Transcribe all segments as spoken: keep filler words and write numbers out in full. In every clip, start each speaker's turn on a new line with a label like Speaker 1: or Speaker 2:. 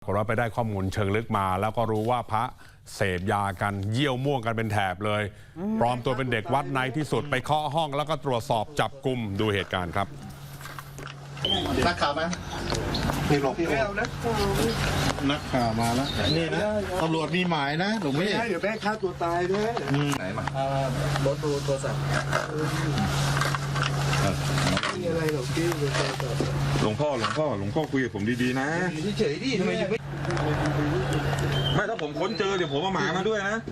Speaker 1: เราไปได้ข้อมูลเชิงลึกมาแล้วก็รู้ว่าพระเสพยากันเยี่ยวม่วงกันเป็นแถบเลยปลอมตัวเป็นเด็กวัดในที่สุดไปเคาะห้องแล้วก็ตรวจสอบจับกุมดูเหตุการณ์ครับ
Speaker 2: นักข่าวมานี่หลบนักข่าวมาแล้วนี่นะตำรวจมีหมายนะหลวงพี่
Speaker 3: เดี๋ยวแม่ฆ่าตัวตายด้วย
Speaker 2: ไหนมาร
Speaker 3: ถดูโทรศัพท์มีอะไรหลวงพี่ดูโทรศัพท์
Speaker 4: หลวงพ่อหลวงพ่อหลวงพ่อคุยกับผมดีๆนะ
Speaker 3: เฉยๆดิทำไมยังไม่
Speaker 4: ไม่ถ้าผมค้นเจอเดี๋ยวผมเอาหมามาด้วยนะ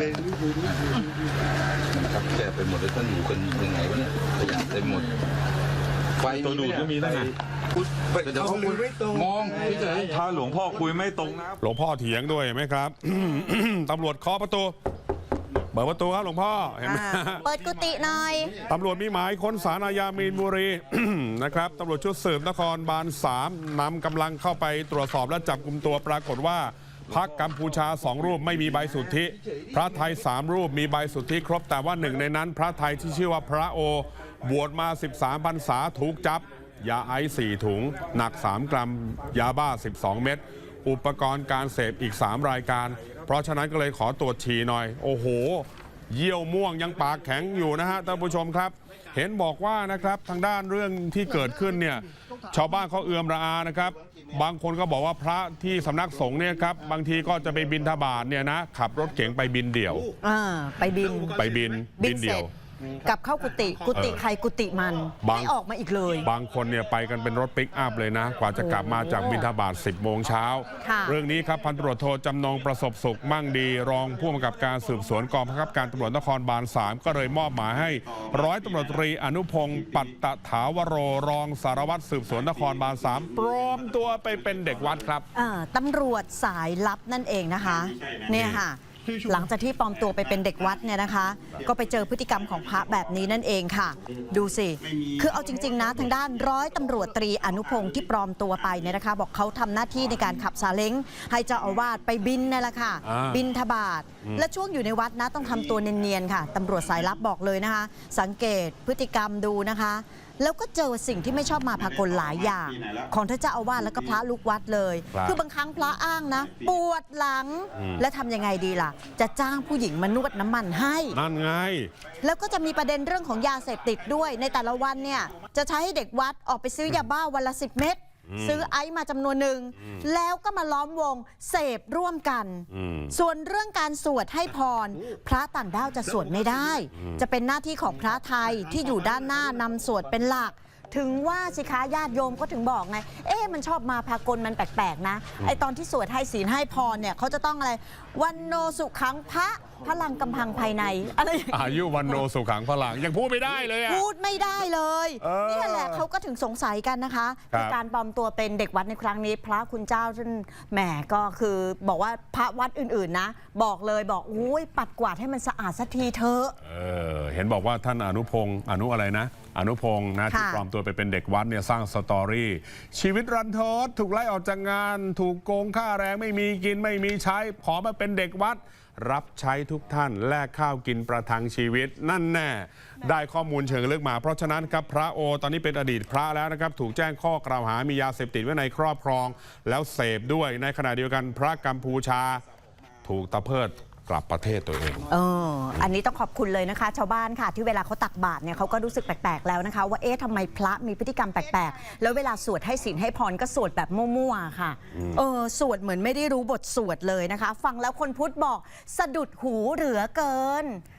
Speaker 5: ครับแกไปหมดเลยท่านอยู่กันยังไงวะเนี่ยขยะเต็มหมด
Speaker 4: ไฟตัวดูดก็มีนั่นน่ะ
Speaker 3: เดี๋ยวเขาคุยไม่ตรง
Speaker 4: มองถ้าหลวงพ่อคุยไม่ตรงนะ
Speaker 1: หลวงพ่อเถียงด้วยไหมครับ ตำรวจเคาะประตูเปิดประตูครับหลวงพ่อเห็นไหม
Speaker 6: เปิดกุฏิหน่อย
Speaker 1: ตำรวจมีหมายค้นศาลอาญามีนบุรี นะครับตำรวจชุดสืบนครบาลสามนำกำลังเข้าไปตรวจสอบและจับกุมตัวปรากฏว่าพระกัมพูชาสองรูปไม่มีใบสุทธิพระไทยสามรูปมีใบสุทธิครบแต่ว่าหนึ่งในนั้นพระไทยที่ชื่อว่าพระโอบวชมาสิบสามพรรษาถูกจับยาไอซ์สี่ถุงหนักสามกรัมยาบ้าสิบสองเม็ดอุปกรณ์การเสพอีกสามรายการเพราะฉะนั้นก็เลยขอตรวจฉี่หน่อยโอ้โหเยี่ยวม่วงยังปากแข็งอยู่นะฮะท่านผู้ชมครับเห็นบอกว่านะครับทางด้านเรื่องที่เกิดขึ้นเนี่ยชาวบ้านเขาเอือมระอานะครับบางคนก็บอกว่าพระที่สำนักสงฆ์เนี่ยครับบางทีก็จะไปบิณฑบาตเนี่ยนะขับรถเก๋งไปบินเดี่ยว
Speaker 6: อ่าไปบิน
Speaker 1: ไปบินบินเดี่ยว
Speaker 6: กลับเข้ากุฏิกุฏิใครกุฏิมันไม่ออกมาอีกเลย
Speaker 1: บางคนเนี่ยไปกันเป็นรถปิกอัพเลยนะกว่าจะกลับมาจากบิณฑบาตสิบโมงเช้าเรื่องนี้ครับพันตำรวจโทจำนงประสบสุขมั่งดีรองผู้กำกับการสืบสวนกองบังคับการตำรวจนครบาลสามก็เลยมอบหมายให้ร้อยตำรวจตรีอนุพงศ์ปัตตถาวโรรองสารวัตรสืบสวนนครบาลสามปลอมตัวไปเป็นเด็กวัดครับ
Speaker 6: ตำรวจสายลับนั่นเองนะคะเนี่ยค่ะหลังจากที่ปลอมตัวไปเป็นเด็กวัดเนี่ยนะคะก็ไปเจอพฤติกรรมของพระแบบนี้นั่นเองค่ะดูสิคือเอาจริงๆนะทางด้านร้อยตำรวจตรีอนุพงศ์ที่ปลอมตัวไปเนี่ยนะคะบอกเขาทำหน้าที่ในการขับซาเล้งให้เจ้าอาวาสไปบินนั่นแหละค่ะบินทบาทและช่วงอยู่ในวัดนะต้องทำตัวเนียนๆค่ะตำรวจสายลับบอกเลยนะคะสังเกตพฤติกรรมดูนะคะแล้วก็เจอสิ่งที่ไม่ชอบมาพากลหลายอย่างของท่านเจ้าอาวาสแล้วก็พระลูกวัดเลยคือบางครั้งพระอ้างนะปวดหลังและทำยังไงดีล่ะจะจ้างผู้หญิงมานวดน้ำมันให้
Speaker 1: นั่นไง
Speaker 6: แล้วก็จะมีประเด็นเรื่องของยาเสพติดด้วยในแต่ละวันเนี่ยจะใช้ให้เด็กวัดออกไปซื้อยาบ้าวันละสิบเม็ดซื้อไอซ์มาจำนวนหนึ่งแล้วก็มาล้อมวงเสพร่วมกันส่วนเรื่องการสวดให้พรพระต่างด้าวจะสวดไม่ได้จะเป็นหน้าที่ของพระไทยที่อยู่ด้านหน้านำสวดเป็นหลักถึงว่าสิคะญาติโยมก็ถึงบอกไงเอ๊ะมันชอบมาพากลมันแปลกๆนะไอตอนที่สวดให้ศีลให้พรเนี่ยเขาจะต้องอะไรวันโนสุขังพระพลังกำพังภายในอะไร
Speaker 1: อายุวันโนสุขังพลังยังพูดไม่ได้เลยอะ
Speaker 6: พูดไม่ได้เลยนี่แหละเขาก็ถึงสงสัยกันนะคะคือการปลอมตัวเป็นเด็กวัดในครั้งนี้พระคุณเจ้าท่านแหมก็คือบอกว่าพระวัดอื่นๆนะบอกเลยบอกอุ้ยปัดกวาดให้มันสะอาดสักทีเถอะ
Speaker 1: เออเห็นบอกว่าท่านอนุพงศ์อนุอะไรนะอนุพงศ์นะที่ปลอมตัวไปเป็นเด็กวัดเนี่ยสร้างสตอรี่ชีวิตรันทดถูกไล่ออกจากงานถูกโกงค่าแรงไม่มีกินไม่มีใช้ขอมาเป็นเด็กวัดรับใช้ทุกท่านแลกข้าวกินประทังชีวิตนั่นแน่ได้ข้อมูลเชิงลึกมาเพราะฉะนั้นครับพระโอตอนนี้เป็นอดีตพระแล้วนะครับถูกแจ้งข้อกล่าวหามียาเสพติดไว้ในครอบครองแล้วเสพด้วยในขณะเดียวกันพระกัมพูชาถูกตะเพิดกลับประเทศตัวเอง
Speaker 6: เอออันนี้ต้องขอบคุณเลยนะคะชาวบ้านค่ะที่เวลาเขาตักบาตรเนี่ยเขาก็รู้สึกแปลกๆแล้วนะคะว่าเอ๊ะทำไมพระมีพฤติกรรมแปลกๆแล้วเวลาสวดให้ศีลให้พรก็สวดแบบมั่วๆค่ะเออสวดเหมือนไม่ได้รู้บทสวดเลยนะคะฟังแล้วคนพุทธบอกสะดุดหูเหลือเกิน